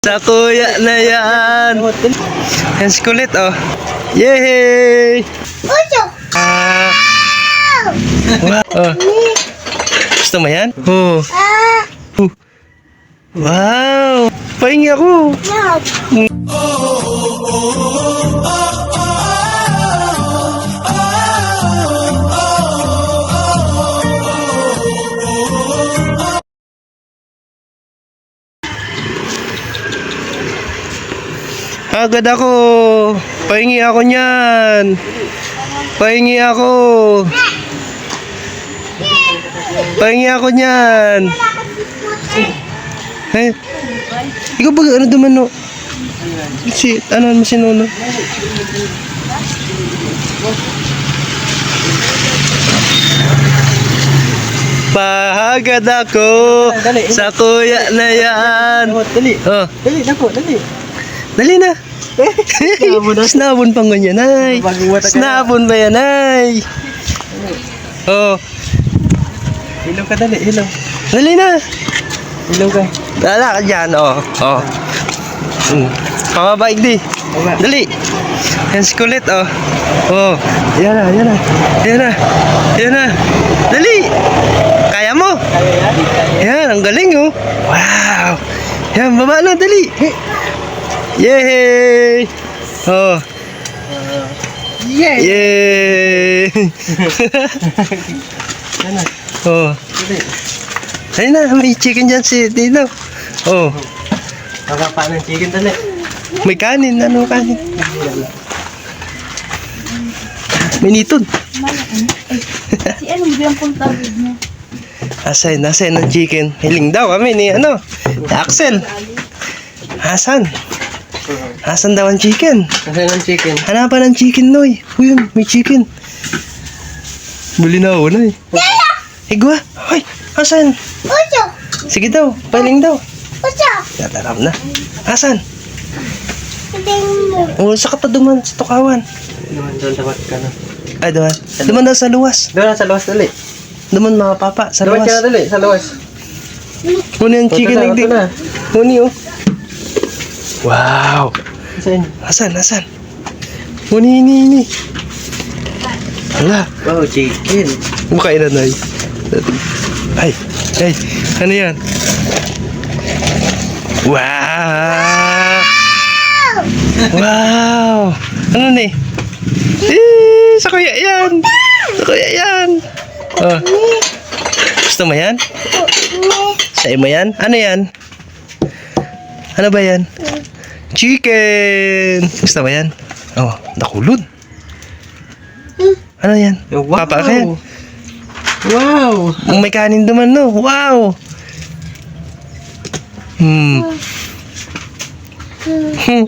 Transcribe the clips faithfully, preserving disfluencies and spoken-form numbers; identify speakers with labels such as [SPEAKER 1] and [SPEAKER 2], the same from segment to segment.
[SPEAKER 1] Sa kuya na yan. Yan si kulit, oh. Yay! Ah. Wow. Oh. Gusto mo yan? Oh. Oh. Wow! Pahingi ako. Agad ako. Pahingi ako niyan. Pahingi ako. Pahingi ako niyan. Eh, ikaw ba ano duman no? Si, ano mo si Nono? Pahagad ako sa kuya na yan.
[SPEAKER 2] Dali.
[SPEAKER 1] Oh,
[SPEAKER 2] Dali, dako, dali.
[SPEAKER 1] dali na. Snabon pang ganyan, ay. Snabon ba yan, ay? Oh,
[SPEAKER 2] Ilaw ka, dali, ilaw.
[SPEAKER 1] dali na.
[SPEAKER 2] Ilaw ka.
[SPEAKER 1] Dala ka dyan, oh. Oh. Hmm. Pamabait di.
[SPEAKER 2] Baba.
[SPEAKER 1] Dali. Yan si kulit, oh. Oh. Yan na, yan na. Yan na. Yan na. Dali. Kaya mo?
[SPEAKER 2] Kaya yan?
[SPEAKER 1] Yan, ang galing, oh. Wow. Yan, baba na, dali. Yay! Oh.
[SPEAKER 2] Yes!
[SPEAKER 1] Yay!
[SPEAKER 2] Yan na.
[SPEAKER 1] Oh.
[SPEAKER 2] Dali.
[SPEAKER 1] Ayun na, may chicken dyan si Dino. Oh.
[SPEAKER 2] Kakapa ng chicken, dali.
[SPEAKER 1] May kanin, ano kanin? May nitod.
[SPEAKER 3] Si ano ba yung punta niya?
[SPEAKER 1] Asay, nasay ng chicken. Hiling daw kami ni ano, ni Axel. Hasan. Hasan daw ang chicken.
[SPEAKER 2] Kasi ng chicken.
[SPEAKER 1] Hanapan ng chicken, Noy. Uy, yun, may chicken. Buli na ako, Noy. Higwa. Hoy, Hasan. Sige daw, paling daw. Tatarap na. Hasan. O, sa kataduman, sa tukawan.
[SPEAKER 2] Doon, doon, dapat ka na.
[SPEAKER 1] Ay, doon. Duman daw sa luwas.
[SPEAKER 2] Doon, sa luwas, dali.
[SPEAKER 1] Duman mga papa, sa
[SPEAKER 2] Dapat ka na,
[SPEAKER 1] luwas.
[SPEAKER 2] dali, sa luwas.
[SPEAKER 1] Muna yung chicken
[SPEAKER 2] Ito na,
[SPEAKER 1] nagdi.
[SPEAKER 2] ito na.
[SPEAKER 1] Muni, oh. Wow.
[SPEAKER 2] Saan?
[SPEAKER 1] Hasan, Hasan. Muni, ini, ini. Hala.
[SPEAKER 2] Wow, chicken.
[SPEAKER 1] Makain na, Nay. Ay, ay, ano yan? Wow! Wow! Ano ni? Eh, sa kuya yan! Sa kuya yan! Oh. Gusto mo yan? Sa'yo mo yan? Ano yan? Ano ba yan? Chicken! Gusto mo yan? Oh, nakulod. Ano yan?
[SPEAKER 2] Wow.
[SPEAKER 1] Papa ka yan?
[SPEAKER 2] Wow!
[SPEAKER 1] Ang may kanin duman, no? Wow! Hmm. Hmm.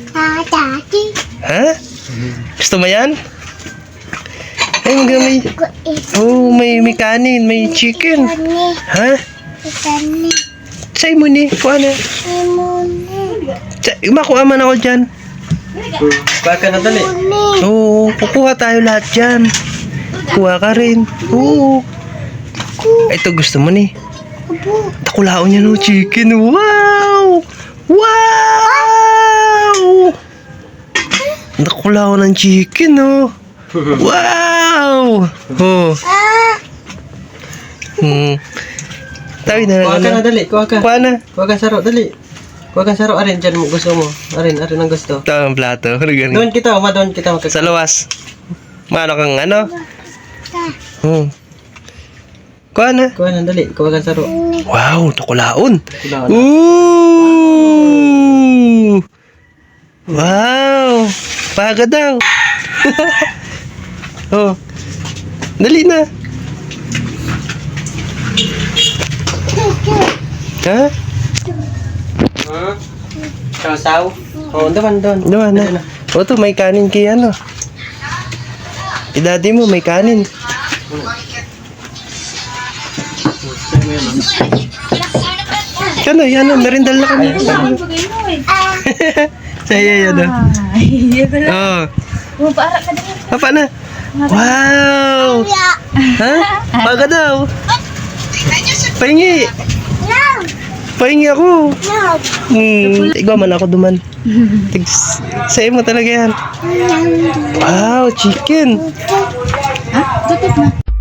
[SPEAKER 1] Ha? Gusto mo yan? Ay, mag may... Oh, may, may kanin, may chicken. Ha? Say mo ni, kuha na. Say, makuha man ako dyan.
[SPEAKER 2] Baka na, dali.
[SPEAKER 1] Oo, kukuha tayo lahat dyan. Kuha ka rin. Oo. Ito gusto mo ni. Takulaon niya no chicken. Wow! Wow! Takulaon ng chicken, no? Wow! Oh. Hmm. Tawi na
[SPEAKER 2] Kuha ka na, dali. Kuha ka.
[SPEAKER 1] Kuha na.
[SPEAKER 2] Kuha ka saro, dali. Kuha ka saro, arin, dyan mo gusto mo. Arin, arin ang gusto.
[SPEAKER 1] Ito ang plato. Ano ganun?
[SPEAKER 2] Doon kita, uma, doon kita.
[SPEAKER 1] Sa luwas. Mano kang ano? Hmm. Kuha na.
[SPEAKER 2] Kuha na, dali. Kuha ka saro.
[SPEAKER 1] Wow, takulaon.
[SPEAKER 2] Kuha na.
[SPEAKER 1] Ooh! Wow! Paga daw. Oh. Dali na. Ha?
[SPEAKER 2] Hmm? Sausaw? Oo, doon, doon.
[SPEAKER 1] Doon na. O to, may kanin kay ano. Idadi mo, may kanin. Kano, yan o, merindal na kami. Saya yan o. Oh.
[SPEAKER 3] Para ka din.
[SPEAKER 1] Apa na? Wow! Ha? Paga daw. Pahingi. Pahingi ako. Hmm, ikaw man ako duman. Tigs, sa'yo mo talaga yan. Wow, chicken.
[SPEAKER 3] Ha? Tutok na.